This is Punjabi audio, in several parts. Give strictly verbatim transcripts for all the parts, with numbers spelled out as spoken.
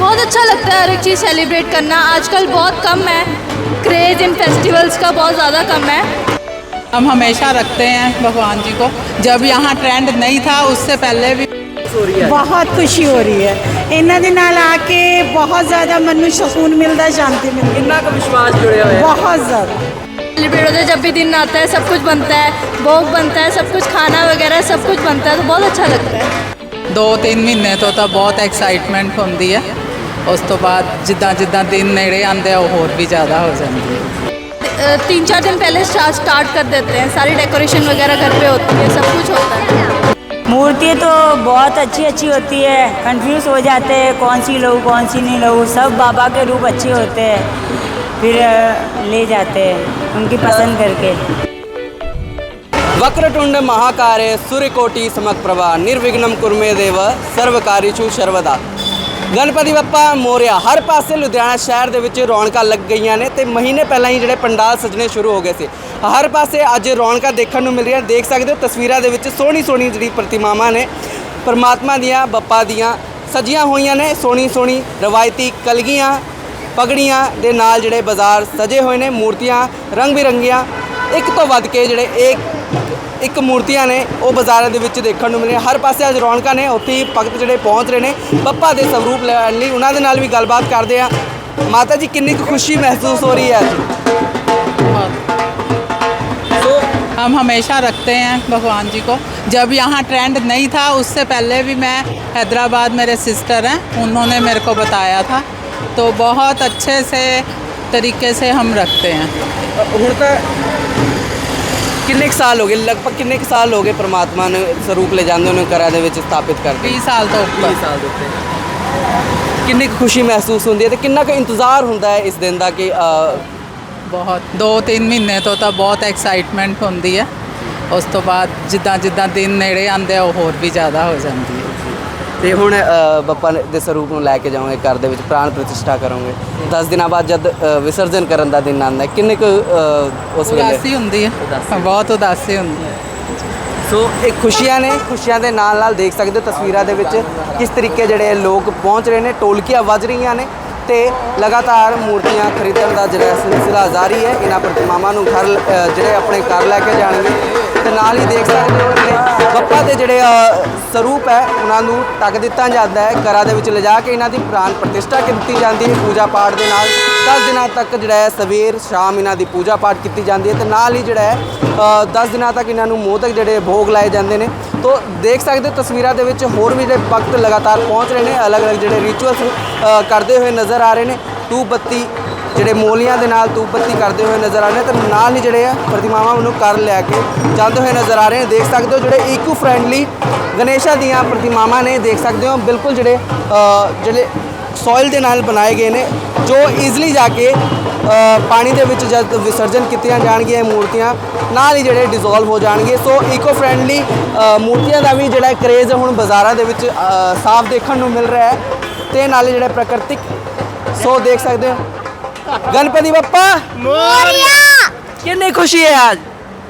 बहुत अच्छा लगता है हर एक चीज़ सेलिब्रेट करना। आजकल बहुत कम है, क्रेज़ इन फेस्टिवल्स का बहुत ज़्यादा कम है। हम हमेशा रखते हैं भगवान जी को। जब यहाँ ट्रेंड नहीं था उससे पहले भी बहुत खुशी हो रही है। इन्हों के नाल आके बहुत ज़्यादा मन में सुकून मिलता है, शांति मिलती है। कितना का विश्वास जुड़े हुए बहुत ज़्यादा सेलिब्रेट होता है, जब भी दिन आता है सब कुछ बनता है, भोग बनता है, सब कुछ खाना वगैरह सब कुछ बनता है, तो बहुत अच्छा लगता है। दो तीन महीने तो ਤਾਂ ਬਹੁਤ ਐਕਸਾਈਟਮੈਂਟ ਹੁੰਦੀ ਹੈ। ਉਸ ਤੋਂ ਬਾਅਦ ਜਿੱਦਾਂ ਜਿੱਦਾਂ ਦਿਨ ਨੇੜੇ ਆਉਂਦੇ ਆ ਉਹ ਹੋਰ ਵੀ ਜ਼ਿਆਦਾ ਹੋ ਜਾਂਦੀ ਹੈ। अ, तीन चार दिन पहले स्टार्ट कर देते हैं, सारी डेकोरेशन वगैरह घर पे होती है, सब कुछ होता है। मूर्ति तो बहुत अच्छी अच्छी होती है, कंफ्यूज हो जाते हैं कौन सी लूँ कौन सी नहीं लूँ। सब बाबा के रूप अच्छे होते हैं, फिर ले जाते हैं उनकी पसंद करके। वक्रतुंड महाकाय सूर्यकोटि समप्रभा निर्विघ्नं कुरु देव सर्वकार्येषु सर्वदा। गणपति बप्पा मोरिया। हर पासे लुधियाना शहर ਦੇ ਵਿੱਚ ਰੌਣਕਾਂ ਲੱਗ ਗਈਆਂ ਨੇ ਤੇ ਮਹੀਨੇ ਪਹਿਲਾਂ ਹੀ ਜਿਹੜੇ ਪੰਡਾਲ ਸਜਣੇ ਸ਼ੁਰੂ ਹੋ ਗਏ ਸੀ। ਹਰ ਪਾਸੇ ਅੱਜ ਰੌਣਕਾਂ ਦੇਖਣ ਨੂੰ ਮਿਲ ਰਹੀਆਂ। ਦੇਖ ਸਕਦੇ ਹੋ ਤਸਵੀਰਾਂ ਦੇ ਵਿੱਚ ਸੋਹਣੀ ਸੋਹਣੀ ਜਿਹੜੀ ਪ੍ਰਤਿਮਾਵਾਂ ਨੇ ਪਰਮਾਤਮਾ ਦੀਆਂ ਬੱਪਾ ਦੀਆਂ ਸਜੀਆਂ ਹੋਈਆਂ ਨੇ। ਸੋਹਣੀ ਸੋਹਣੀ ਰਵਾਇਤੀ ਕਲਗੀਆਂ ਪਗੜੀਆਂ ਦੇ ਨਾਲ ਜਿਹੜੇ ਬਾਜ਼ਾਰ ਸਜੇ ਹੋਏ ਨੇ। ਮੂਰਤੀਆਂ ਰੰਗ ਬਿਰੰਗੀਆਂ ਇੱਕ ਤੋਂ ਵੱਧ ਕੇ ਜਿਹੜੇ ਇੱਕ ਇੱਕ ਮੂਰਤੀਆਂ ਨੇ ਉਹ ਬਾਜ਼ਾਰਾਂ ਦੇ ਵਿੱਚ ਦੇਖਣ ਨੂੰ ਮਿਲ ਰਹੀਆਂ। ਹਰ ਪਾਸੇ ਅੱਜ ਰੌਣਕਾਂ ਨੇ। ਉੱਥੇ ਹੀ ਭਗਤ ਜਿਹੜੇ ਪਹੁੰਚ ਰਹੇ ਨੇ ਬੱਪਾ ਦੇ ਸਰੂਪ ਲੈਣ ਲਈ। ਉਹਨਾਂ ਦੇ ਨਾਲ ਵੀ ਗੱਲਬਾਤ ਕਰਦੇ ਆ। ਮਾਤਾ ਜੀ ਕਿੰਨੀ ਕੁ ਖੁਸ਼ੀ ਮਹਿਸੂਸ ਹੋ ਰਹੀ ਹੈ ਅੱਜ? हम हमेशा रखते हैं भगवान जी को। जब यहाँ ट्रेंड नहीं था उससे पहले भी मैं हैदराबाद, मेरे सिस्टर हैं, उन्होंने मेरे को बताया था, तो बहुत अच्छे से तरीके से हम रखते हैं। ਹੁਣ ਤਾਂ ਕਿੰਨੇ ਕੁ ਸਾਲ ਹੋ ਗਏ, ਲਗਭਗ ਕਿੰਨੇ ਕੁ ਸਾਲ ਹੋ ਗਏ ਪਰਮਾਤਮਾ ਨੂੰ ਸਰੂਪ ਲੈ ਜਾਂਦੇ ਉਹਨੂੰ ਘਰਾਂ ਦੇ ਵਿੱਚ ਸਥਾਪਿਤ ਕਰਕੇ? बीस साल तो ऊपर। ਵੀਹ ਸਾਲ ਦੇ ਉੱਤੇ। ਕਿੰਨੀ ਕੁ ਖੁਸ਼ੀ ਮਹਿਸੂਸ ਹੁੰਦੀ ਹੈ ਤੇ ਕਿੰਨਾ ਕੁ ਇੰਤਜ਼ਾਰ ਹੁੰਦਾ ਹੈ ਇਸ ਦਿਨ ਦਾ ਕਿ ਅ, ਬਹੁਤ ਦੋ ਤਿੰਨ ਮਹੀਨੇ ਤੋਂ ਤਾਂ ਬਹੁਤ ਐਕਸਾਈਟਮੈਂਟ ਹੁੰਦੀ ਹੈ। ਉਸ ਤੋਂ ਬਾਅਦ ਜਿੱਦਾਂ ਜਿੱਦਾਂ ਦਿਨ ਨੇੜੇ ਆਉਂਦੇ ਆ ਉਹ ਹੋਰ ਵੀ ਜ਼ਿਆਦਾ ਹੋ ਜਾਂਦੀ ਹੈ। ਤੇ ਹੁਣ ਅ, ਬੱਪਾ ਦੇ ਸਰੂਪ ਨੂੰ ਲੈ ਕੇ ਜਾਓਗੇ ਘਰ ਦੇ ਵਿੱਚ, ਪ੍ਰਾਣ ਪ੍ਰਤਿਸ਼ਠਾ ਕਰੋਗੇ। ਦਸ ਦਿਨਾਂ ਬਾਅਦ ਜਦ ਅ, ਵਿਸਰਜਨ ਕਰਨ ਦਾ ਦਿਨ ਆਉਂਦਾ ਹੈ, ਕਿੰਨੇ ਕੁ ਅ, ਉਸ ਵੇਲੇ ਉਦਾਸੀ ਹੁੰਦੀ ਹੈ, ਬਹੁਤ ਉਦਾਸੀ ਹੁੰਦੀ ਹੈ। ਸੋ ਇਹ ਖੁਸ਼ੀਆਂ ਨੇ। ਖੁਸ਼ੀਆਂ ਦੇ ਨਾਲ ਨਾਲ ਦੇਖ ਸਕਦੇ ਹੋ ਤਸਵੀਰਾਂ ਦੇ ਵਿੱਚ ਕਿਸ ਤਰੀਕੇ ਜਿਹੜੇ ਲੋਕ ਪਹੁੰਚ ਰਹੇ ਨੇ। ਢੋਲਕੀਆਂ ਵੱਜ ਰਹੀਆਂ ਨੇ ਤੇ ਲਗਾਤਾਰ ਮੂਰਤੀਆਂ ਖਰੀਦਣ ਦਾ ਜਿਹੜਾ ਸਿਲਸਿਲਾ ਜਾਰੀ ਹੈ। ਇਹਨਾਂ ਪ੍ਰਤਿਮਾਵਾਂ ਨੂੰ ਘਰ ਅ, ਜਿਹੜੇ ਆਪਣੇ ਘਰ ਲੈ ਕੇ ਜਾਣਗੇ ਤੇ ਨਾਲ ਹੀ ਦੇਖ ਸਕਦੇ ਹੋ ਜਿਹੜੇ ਬੱਪਾ ਦੇ ਜਿਹੜੇ ਅ, ਸਰੂਪ ਹੈ ਉਹਨਾਂ ਨੂੰ ਢੱਕ ਦਿੱਤਾ ਜਾਂਦਾ ਹੈ। ਘਰਾਂ ਦੇ ਵਿੱਚ ਲਿਜਾ ਕੇ ਇਹਨਾਂ ਦੀ ਪ੍ਰਾਣ ਪ੍ਰਤਿਸ਼ਠਾ ਕੀਤੀ ਜਾਂਦੀ ਹੈ ਪੂਜਾ ਪਾਠ ਦੇ ਨਾਲ। ਦਸ ਦਿਨਾਂ ਤੱਕ ਜਿਹੜਾ ਹੈ ਸਵੇਰ ਸ਼ਾਮ ਇਹਨਾਂ ਦੀ ਪੂਜਾ ਪਾਠ ਕੀਤੀ ਜਾਂਦੀ ਹੈ ਤੇ ਨਾਲ ਹੀ ਜਿਹੜਾ ਹੈ ਦਸ ਦਿਨਾਂ ਤੱਕ ਇਹਨਾਂ ਨੂੰ ਮੋਦਕ ਜਿਹੜੇ ਭੋਗ ਲਾਏ ਜਾਂਦੇ ਨੇ। ਤੋ ਦੇਖ ਸਕਦੇ ਹੋ ਤਸਵੀਰਾਂ ਦੇ ਵਿੱਚ ਹੋਰ ਵੀ ਜਿਹੜੇ ਭਗਤ ਲਗਾਤਾਰ ਪਹੁੰਚ ਰਹੇ ਨੇ, ਅਲੱਗ-ਅਲੱਗ ਜਿਹੜੇ ਰਿਚੁਅਲਸ ਕਰਦੇ ਹੋਏ ਨਜ਼ਰ ਆ ਰਹੇ ਨੇ। ਧੂਪ ਬੱਤੀ ਜਿਹੜੇ ਮੋਲੀਆਂ ਦੇ ਨਾਲ ਧੂਪ ਬੱਤੀ ਕਰਦੇ ਹੋਏ ਨਜ਼ਰ ਆ ਰਹੇ ਨੇ ਤੇ ਨਾਲ ਹੀ ਜਿਹੜੇ ਆ ਪ੍ਰਤਿਮਾਵਾਂ ਨੂੰ ਘਰ ਲੈ ਕੇ ਜਾਂਦੇ ਹੋਏ ਨਜ਼ਰ ਆ ਰਹੇ ਨੇ। ਦੇਖ ਸਕਦੇ ਹੋ ਜਿਹੜੇ ਈਕੋ ਫਰੈਂਡਲੀ ਗਣੇਸ਼ਾ ਦੀਆਂ ਪ੍ਰਤਿਮਾਵਾਂ ਨੇ। ਦੇਖ ਸਕਦੇ ਹੋ ਬਿਲਕੁਲ ਜਿਹੜੇ ਅ, ਜਿਹੜੇ ਸੋਇਲ ਦੇ ਨਾਲ ਬਣਾਏ ਗਏ ਨੇ ਜੋ ਈਜ਼ਲੀ ਜਾ ਕੇ ਅ, ਪਾਣੀ ਦੇ ਵਿੱਚ ਜਦ ਵਿਸਰਜਨ ਕੀਤੀਆਂ ਜਾਣਗੀਆਂ ਇਹ ਮੂਰਤੀਆਂ ਨਾਲ ਹੀ ਜਿਹੜੇ ਡਿਜ਼ੋਲਵ ਹੋ ਜਾਣਗੇ। ਸੋ ਈਕੋ ਫਰੈਂਡਲੀ ਮੂਰਤੀਆਂ ਦਾ ਵੀ ਜਿਹੜਾ ਕਰੇਜ਼ ਹੁਣ ਬਾਜ਼ਾਰਾਂ ਦੇ ਵਿੱਚ ਅ, ਸਾਫ਼ ਦੇਖਣ ਨੂੰ ਮਿਲ ਰਿਹਾ ਹੈ ਤੇ ਨਾਲ ਹੀ ਜਿਹੜਾ ਪ੍ਰਾਕਿਰਤਿਕ। ਸੋ ਦੇਖ ਸਕਦੇ ਹੋ गणपति बप्पा मोरिया। कितनी खुशी है आज?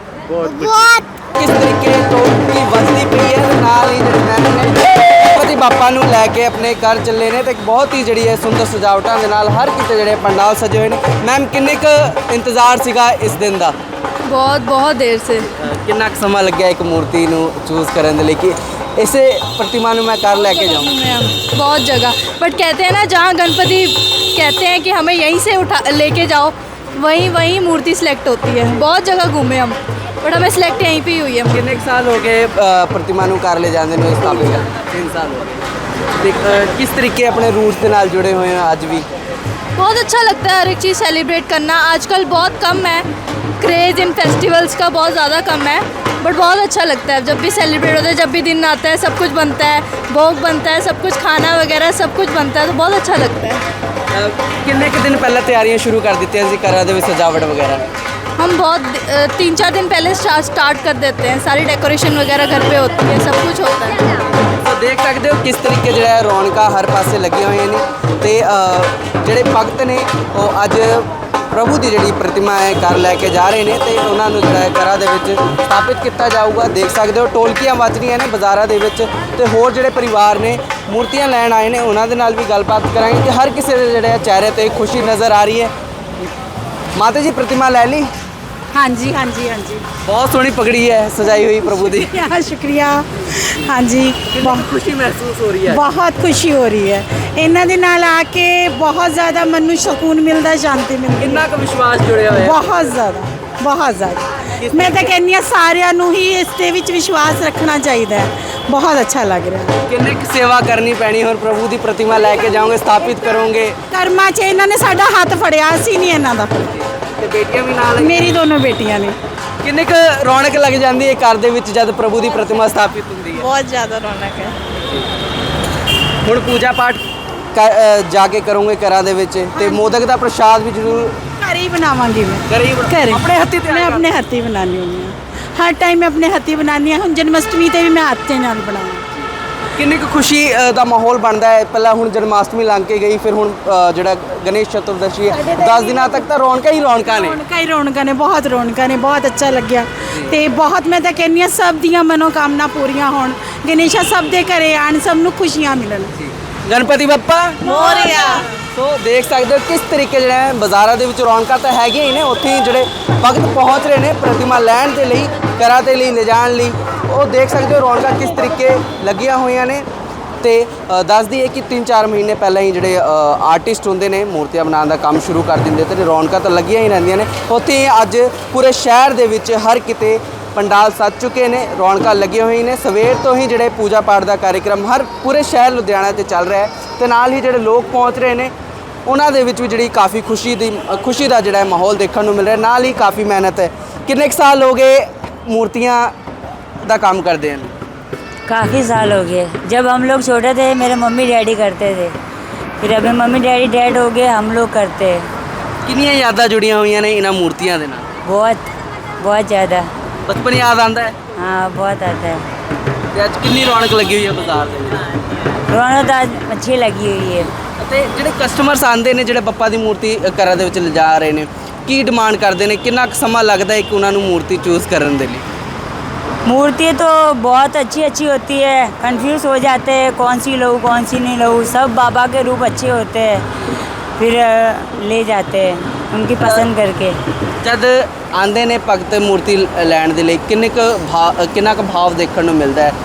बहुत। किस तरीके तो की वजदी पई है नाल ही ਜਿਹੜੇ ਮੈਮ ਨੇ ਗਣਪਤੀ ਬਾਪਾ ਨੂੰ ਲੈ ਕੇ ਆਪਣੇ ਘਰ ਚੱਲੇ ਨੇ ਤੇ ਬਹੁਤ ਹੀ ਜਿਹੜੀ ਹੈ ਸੁੰਦਰ ਸਜਾਵਟਾਂ ਦੇ ਨਾਲ ਹਰ ਕਿਤੇ ਜਿਹੜੇ ਪੰਡਾਲ ਸਜੇ ਹੋਏ ਨੇ। ਮੈਮ ਕਿੰਨੇ ਕੁ ਇੰਤਜ਼ਾਰ ਸੀਗਾ ਇਸ ਦਿਨ ਦਾ? बहुत बहुत देर से। ਕਿੰਨਾ ਕੁ ਸਮਾਂ ਲੱਗਿਆ ਇੱਕ ਮੂਰਤੀ ਨੂੰ ਚੂਜ਼ ਕਰਨ ਦੇ ਲਈ ਕਿ इसे प्रतिमा में मैं कार लेके जाऊँ? बहुत जगह, बट कहते हैं ना जहाँ गणपति कहते हैं कि हमें यहीं से उठा लेके जाओ, वहीं वहीं मूर्ति सिलेक्ट होती है। बहुत जगह घूमे हम, बट हमें सिलेक्ट यहीं पे ही हुई है। कितने साल हो गए प्रतिमा ਨੂੰ कार ले जाने में स्थापित कर? तीन साल हो गए। ਤੇ किस तरीके अपने रूट्स के नाल जुड़े हुए हैं आज भी? बहुत अच्छा लगता है हर एक चीज़ सेलिब्रेट करना। आजकल बहुत कम है, क्रेज़ इन फेस्टिवल्स का बहुत ज़्यादा कम है, बट बहुत अच्छा लगता है जब भी सेलिब्रेट होता है। जब भी दिन आता है सब कुछ बनता है, भोग बनता है, सब कुछ खाना वगैरह सब कुछ बनता है, तो बहुत अच्छा लगता है। कितने के दिन पहले तैयारियां शुरू कर दी थी घरों के सजावट वगैरह? हम बहुत अ, तीन चार दिन पहले स्टार्ट कर देते हैं, सारी डेकोरेशन वगैरह घर पे होती है, सब कुछ होता है। तो देख सकते हो किस तरीके जो है रौनक हर पासे लगी हुई ने ते ਜਿਹੜੇ ਭਗਤ ਨੇ ਉਹ ਅੱਜ ਪ੍ਰਭੂ ਦੀ ਜਿਹੜੀ ਪ੍ਰਤਿਮਾ ਹੈ ਘਰ ਲੈ ਕੇ ਜਾ ਰਹੇ ਨੇ ਤੇ ਉਹਨਾਂ ਨੂੰ ਜਿਹੜਾ ਘਰਾਂ ਦੇ ਵਿੱਚ ਸਥਾਪਿਤ ਕੀਤਾ ਜਾਊਗਾ। ਦੇਖ ਸਕਦੇ ਹੋ ਢੋਲਕੀਆਂ ਵੱਜ ਰਹੀਆਂ ਨੇ ਬਾਜ਼ਾਰਾਂ ਦੇ ਵਿੱਚ ਤੇ ਹੋਰ ਜਿਹੜੇ ਪਰਿਵਾਰ ਨੇ ਮੂਰਤੀਆਂ ਲੈਣ ਆਏ ਨੇ ਉਹਨਾਂ ਦੇ ਨਾਲ ਵੀ ਗੱਲਬਾਤ ਕਰਾਂਗੇ ਕਿ ਹਰ ਕਿਸੇ ਦੇ ਜਿਹੜੇ ਚਿਹਰੇ ਤੇ ਖੁਸ਼ੀ ਨਜ਼ਰ ਆ ਰਹੀ ਹੈ। ਮਾਤਾ ਜੀ ਪ੍ਰਤਿਮਾ ਲੈ ਲਈ? हाँ जी हाँ जी हाँ जी ਬਹੁਤ ਸੋਹਣੀ ਪਗੜੀ ਹੈ ਸਜਾਈ ਹੋਈ ਪ੍ਰਭੂ ਦੀ। शुक्रिया शुक्रिया हाँ जी बहुत ਖੁਸ਼ੀ ਮਹਿਸੂਸ ਹੋ ਰਹੀ ਹੈ। ਬਹੁਤ ਖੁਸ਼ੀ ਹੋ ਰਹੀ ਹੈ ਇਹਨਾਂ ਦੇ ਨਾਲ ਆ ਕੇ ਬਹੁਤ ਜ਼ਿਆਦਾ ਮਨ ਨੂੰ ਸਕੂਨ ਮਿਲਦਾ ਸ਼ਾਂਤੀ ਮਿਲਦੀ ਕਿੰਨਾ ਕੁ ਵਿਸ਼ਵਾਸ ਜੁੜਿਆ ਹੋਇਆ ਹੈ? ਬਹੁਤ ਜ਼ਿਆਦਾ ਬਹੁਤ ਜ਼ਿਆਦਾ ਮੈਂ ਤਾਂ ਕਹਿੰਦੀ ਹਾਂ ਸਾਰਿਆਂ ਨੂੰ ਹੀ ਇਸ ਦੇ ਵਿੱਚ ਵਿਸ਼ਵਾਸ ਰੱਖਣਾ ਚਾਹੀਦਾ ਹੈ ਬਹੁਤ ਅੱਛਾ ਲੱਗ ਰਿਹਾ ਹੈ ਕਿੰਨੇ ਕੁ ਸੇਵਾ ਕਰਨੀ ਪੈਣੀ ਹੋਰ ਪ੍ਰਭੂ ਦੀ ਪ੍ਰਤਿਮਾ ਲੈ ਕੇ ਜਾਓਗੇ ਸਥਾਪਿਤ ਕਰੋਗੇ ਕਰਮਾਂ 'ਚ ਇਹਨਾਂ ਨੇ ਸਾਡਾ ਹੱਥ ਫੜਿਆ ਅਸੀਂ ਨਹੀਂ ਇਹਨਾਂ ਦਾ ਫੜਿਆ ਤੇ ਬੇਟੀਆਂ ਵੀ ਨਾਲ ਮੇਰੀ ਦੋਨੋਂ ਬੇਟੀਆਂ ਨੇ ਕਿੰਨੇ ਕੁ ਰੌਣਕ ਲੱਗ ਜਾਂਦੀ ਹੈ ਘਰ ਦੇ ਵਿੱਚ ਜਦ ਪ੍ਰਭੂ ਦੀ ਪ੍ਰਤਿਮਾ ਸਥਾਪਿਤ ਹੁੰਦੀ ਹੈ? ਬਹੁਤ ਜ਼ਿਆਦਾ ਰੌਣਕ ਹੈ ਹੁਣ ਪੂਜਾ ਪਾਠ ਕ- ਅ, ਜਾ ਕੇ ਕਰੋਗੇ ਘਰਾਂ ਦੇ ਵਿੱਚ ਤੇ ਮੋਦਕ ਦਾ ਪ੍ਰਸ਼ਾਦ ਵੀ ਜ਼ਰੂਰ ਘਰ ਹੀ ਬਣਾਵਾਂਗੀ ਮੈਂ ਘਰੇ ਹੀ ਬਣਾ- ਘਰੇ ਆਪਣੇ ਹੱਥੀਂ ਤਿਆਰ ਮੈਂ ਕਰ- ਆਪਣੇ ਹੱਥੀਂ ਬਣਾਉਂਦੀ ਹੁੰਦੀ ਹਾਂ ਹਰ ਟਾਈਮ ਮੈਂ ਆਪਣੇ ਹੱਥੀਂ ਬਣਾਉਂਦੀ ਹਾਂ ਹੁਣ ਜਨਮਸ਼ਟਮੀ ਤੇ ਵੀ ਮੈਂ ਹੱਥ ਨਾਲ ਬਣਾਉਂਦੀ ਕਿੰਨੀ ਕੁ ਖੁਸ਼ੀ ਅ, ਦਾ ਮਾਹੌਲ ਬਣਦਾ ਹੈ? ਪਹਿਲਾਂ ਹੁਣ ਜਨਮਾਸ਼ਟਮੀ ਲੰਘ ਕੇ ਗਈ ਫਿਰ ਹੁਣ ਅ, ਜਿਹੜਾ ਗਣੇਸ਼ ਚਤੁਰਦਸ਼ੀ ਹੈ ਦਸ ਦਿਨਾਂ ਤੱਕ ਤਾਂ ਰੌਣਕਾਂ ਹੀ ਰੌਣਕਾਂ ਨੇ। ਰੌਣਕਾਂ ਹੀ ਰੌਣਕਾਂ ਨੇ ਬਹੁਤ ਰੌਣਕਾਂ ਨੇ ਬਹੁਤ ਅੱਛਾ ਲੱਗਿਆ ਤੇ ਬਹੁਤ ਮੈਂ ਤਾਂ ਕਹਿੰਦੀ ਹਾਂ ਸਭ ਦੀਆਂ ਮਨੋਕਾਮਨਾ ਪੂਰੀਆਂ ਹੋਣ ਗਣੇਸ਼ਾ ਸਭ ਦੇ ਘਰੇ ਆਣ ਸਭ ਨੂੰ ਖੁਸ਼ੀਆਂ ਮਿਲਣ ਗਣਪਤੀ ਬੱਪਾ ਮੋਰਿਆ ਸੋ ਦੇਖ ਸਕਦੇ ਹੋ ਕਿਸ ਤਰੀਕੇ ਜਿਹੜਾ ਹੈ ਬਾਜ਼ਾਰਾਂ ਦੇ ਵਿੱਚ ਰੌਣਕਾਂ ਤਾਂ ਹੈਗੀਆਂ ਹੀ ਨੇ ਉੱਥੇ ਹੀ ਜਿਹੜੇ ਭਗਤ ਪਹੁੰਚ ਰਹੇ ਨੇ ਪ੍ਰਤਿਮਾ ਲੈਣ ਦੇ ਲਈ ਘਰਾਂ ਦੇ ਲਈ ਲਿਜਾਣ ਲਈ ਉਹ ਦੇਖ ਸਕਦੇ ਹੋ ਰੌਣਕਾਂ ਕਿਸ ਤਰੀਕੇ ਲੱਗੀਆਂ ਹੋਈਆਂ ਨੇ ਤੇ ਅ, ਦੱਸਦੀ ਹੈ ਕਿ ਤਿੰਨ ਚਾਰ ਮਹੀਨੇ ਪਹਿਲਾਂ ਹੀ ਜਿਹੜੇ ਆਰਟਿਸਟ ਹੁੰਦੇ ਨੇ ਮੂਰਤੀਆਂ ਬਣਾਉਣ ਦਾ ਕੰਮ ਸ਼ੁਰੂ ਕਰ ਦਿੰਦੇ ਤੇ ਰੌਣਕਾਂ ਤਾਂ ਲੱਗੀਆਂ ਹੀ ਰਹਿੰਦੀਆਂ ਨੇ ਉੱਥੇ ਹੀ ਅੱਜ ਪੂਰੇ ਸ਼ਹਿਰ ਦੇ ਵਿੱਚ ਹਰ ਕਿਤੇ ਪੰਡਾਲ ਸੱਜ ਚੁੱਕੇ ਨੇ ਰੌਣਕਾਂ ਲੱਗੀਆਂ ਹੋਈਆਂ ਨੇ ਸਵੇਰ ਤੋਂ ਹੀ ਜਿਹੜੇ ਪੂਜਾ ਪਾਠ ਦਾ ਕਾਰਜਕ੍ਰਮ ਹਰ ਪੂਰੇ ਸ਼ਹਿਰ ਲੁਧਿਆਣਾ 'ਤੇ ਚੱਲ ਰਿਹਾ ਹੈ ਤੇ ਨਾਲ ਹੀ ਜਿਹੜੇ ਲੋਕ ਪਹੁੰਚ ਰਹੇ ਨੇ ਉਹਨਾਂ ਦੇ ਵਿੱਚ ਵੀ ਜਿਹੜੀ ਕਾਫੀ ਖੁਸ਼ੀ ਦੀ ਖੁਸ਼ੀ ਦਾ ਜਿਹੜਾ ਮਾਹੌਲ ਦੇਖਣ ਨੂੰ ਮਿਲ ਰਿਹਾ ਨਾਲ ਹੀ ਕਾਫੀ ਮਿਹਨਤ ਹੈ। ਕਿੰਨੇ ਕੁ ਸਾਲ ਹੋ ਗਏ ਮੂਰਤੀਆਂ ਦਾ ਕੰਮ ਕਰਦੇ ਹਨ? काफ़ी साल हो गए जब हम लोग छोटे थे मेरे मम्मी डैडी करते थे फिर अभी मम्मी डैडी डेड हो गए हम लोग करते हैं ਕਿੰਨੀਆਂ ਯਾਦਾਂ ਜੁੜੀਆਂ ਹੋਈਆਂ ਨੇ ਇਹਨਾਂ ਮੂਰਤੀਆਂ ਦੇ ਨਾਲ? बहुत बहुत ज़्यादा ਬਚਪਨ ਯਾਦ ਆਉਂਦਾ ਹੈ हाँ बहुत आता है ਤੇ ਅੱਜ ਕਿੰਨੀ ਰੌਣਕ ਲੱਗੀ ਹੋਈ ਹੈ ਬਾਜ਼ਾਰ ਦੇ ਵਿੱਚ रौनक तो आज अच्छी लगी हुई है ਅਤੇ ਜਿਹੜੇ ਕਸਟਮਰਸ ਆਉਂਦੇ ਨੇ ਜਿਹੜੇ ਬੱਪਾ ਦੀ ਮੂਰਤੀ ਅ, ਘਰਾਂ ਦੇ ਵਿੱਚ ਲਿਜਾ ਰਹੇ ਨੇ ਕੀ ਡਿਮਾਂਡ ਕਰਦੇ ਨੇ ਕਿੰਨਾ ਕੁ ਸਮਾਂ ਲੱਗਦਾ ਹੈ ਕਿ ਉਹਨਾਂ ਨੂੰ ਮੂਰਤੀ ਚੂਜ਼ ਕਰਨ ਦੇ ਲਈ? मूर्ति तो बहुत अच्छी अच्छी होती है कंफ्यूज हो जाते हैं कौन सी लूँ कौन सी नहीं लूँ सब बाबा के रूप अच्छे होते हैं फिर अ, ले जाते हैं उनकी पसंद करके ਜਦ ਆਉਂਦੇ ਨੇ ਭਗਤ ਮੂਰਤੀ ਲ- ਲੈਣ ਦੇ ਲਈ ਕਿੰਨੇ ਕੁ ਭਾਵ ਕਿੰਨਾ ਕੁ ਭਾਵ ਦੇਖਣ ਨੂੰ ਮਿਲਦਾ ਹੈ?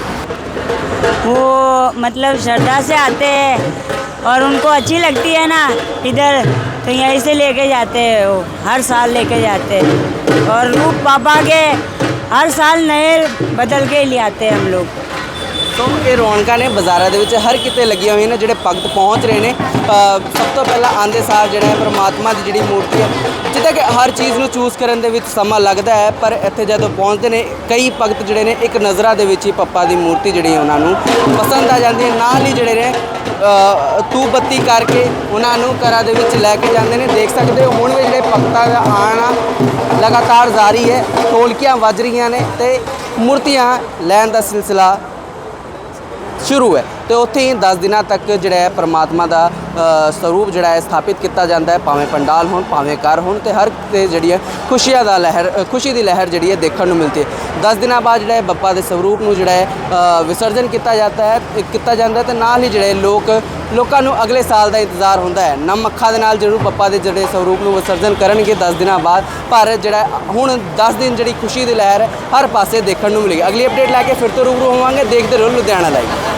वो मतलब श्रद्धा से आते हैं और उनको अच्छी लगती है ना इधर तो यहीं से लेके जाते हैं वो हर साल लेके जाते हैं और रूप पापा के हर साल नए बदल के ले आते हैं हम लोग ਸੋ ਇਹ ਰੌਣਕਾਂ ਨੇ ਬਾਜ਼ਾਰਾਂ ਦੇ ਵਿੱਚ ਹਰ ਕਿਤੇ ਲੱਗੀਆਂ ਹੋਈਆਂ ਨੇ ਜਿਹੜੇ ਭਗਤ ਪਹੁੰਚ ਰਹੇ ਨੇ ਅ, ਸਭ ਤੋਂ ਪਹਿਲਾਂ ਆਉਂਦੇ ਸਾਰ ਜਿਹੜਾ ਹੈ ਪਰਮਾਤਮਾ ਦੀ ਜਿਹੜੀ ਮੂਰਤੀ ਹੈ ਜਿੱਦਾਂ ਕਿ ਹਰ ਚੀਜ਼ ਨੂੰ ਚੂਜ਼ ਕਰਨ ਦੇ ਵਿੱਚ ਸਮਾਂ ਲੱਗਦਾ ਹੈ ਪਰ ਇੱਥੇ ਜਦੋਂ ਪਹੁੰਚਦੇ ਨੇ ਕਈ ਭਗਤ ਜਿਹੜੇ ਨੇ ਇੱਕ ਨਜ਼ਰਾਂ ਦੇ ਵਿੱਚ ਹੀ ਪੱਪਾ ਦੀ ਮੂਰਤੀ ਜਿਹੜੀ ਹੈ ਉਹਨਾਂ ਨੂੰ ਪਸੰਦ ਆ ਜਾਂਦੀ ਹੈ ਨਾਲ ਹੀ ਜਿਹੜੇ ਨੇ ਅ, ਧੂਪ ਬੱਤੀ ਕਰਕੇ ਉਹਨਾਂ ਨੂੰ ਘਰਾਂ ਦੇ ਵਿੱਚ ਲੈ ਕੇ ਜਾਂਦੇ ਨੇ ਦੇਖ ਸਕਦੇ ਹੋ ਹੁਣ ਵੀ ਜਿਹੜੇ ਭਗਤਾਂ ਦਾ ਆਉਣਾ ਲਗਾਤਾਰ ਜਾਰੀ ਹੈ ਢੋਲਕੀਆਂ ਵੱਜ ਰਹੀਆਂ ਨੇ ਤੇ ਮੂਰਤੀਆਂ ਲੈਣ ਦਾ ਸਿਲਸਿਲਾ ਸ਼ੁਰੂ ਹੈ ਤੇ ਉੱਥੇ ਹੀ ਦਸ ਦਿਨਾਂ ਤੱਕ ਜਿਹੜਾ ਹੈ ਪਰਮਾਤਮਾ ਦਾ ਅ, ਸਰੂਪ ਜਿਹੜਾ ਹੈ ਸਥਾਪਿਤ ਕੀਤਾ ਜਾਂਦਾ ਹੈ ਭਾਵੇਂ ਪੰਡਾਲ ਹੋਣ ਭਾਵੇਂ ਘਰ ਹੋਣ ਤੇ ਹਰ ਤੇ ਜਿਹੜੀ ਹੈ ਖੁਸ਼ੀਆਂ ਦਾ ਲਹਿਰ ਅ, ਖੁਸ਼ੀ ਦੀ ਲਹਿਰ ਜਿਹੜੀ ਹੈ ਦੇਖਣ ਨੂੰ ਮਿਲਦੀ ਹੈ। ਦਸ ਦਿਨਾਂ ਬਾਅਦ ਜਿਹੜਾ ਹੈ ਬੱਪਾ ਦੇ ਸਰੂਪ ਨੂੰ ਜਿਹੜਾ ਹੈ ਅ, ਵਿਸਰਜਨ ਕੀਤਾ ਜਾਂਦਾ ਹੈ ਕੀਤਾ ਜਾਂਦਾ ਹੈ ਤੇ ਨਾਲ ਹੀ ਜਿਹੜੇ ਲੋਕ ਲੋਕਾਂ ਨੂੰ ਅਗਲੇ ਸਾਲ ਦਾ ਇੰਤਜ਼ਾਰ ਹੁੰਦਾ ਹੈ ਨਮ ਅੱਖਾਂ ਦੇ ਨਾਲ ਜ਼ਰੂਰ ਬੱਪਾ ਦੇ ਜਿਹੜੇ ਸਰੂਪ ਨੂੰ ਵਿਸਰਜਨ ਕਰਨਗੇ ਦਸ ਦਿਨਾਂ ਬਾਅਦ ਪਰ ਜਿਹੜਾ ਹੁਣ ਦਸ ਦਿਨ ਜਿਹੜੀ ਖੁਸ਼ੀ ਦੀ ਲਹਿਰ ਹੈ ਹਰ ਪਾਸੇ ਦੇਖਣ ਨੂੰ ਮਿਲੇਗੀ। ਅਗਲੀ ਅਪਡੇਟ ਲੈ ਕੇ ਫਿਰ ਤੋਂ ਰੂਬਰੂ ਹੋਵਾਂਗੇ ਦੇਖਦੇ ਰਹੋ ਲੁਧਿਆਣਾ ਲਾਈਵ।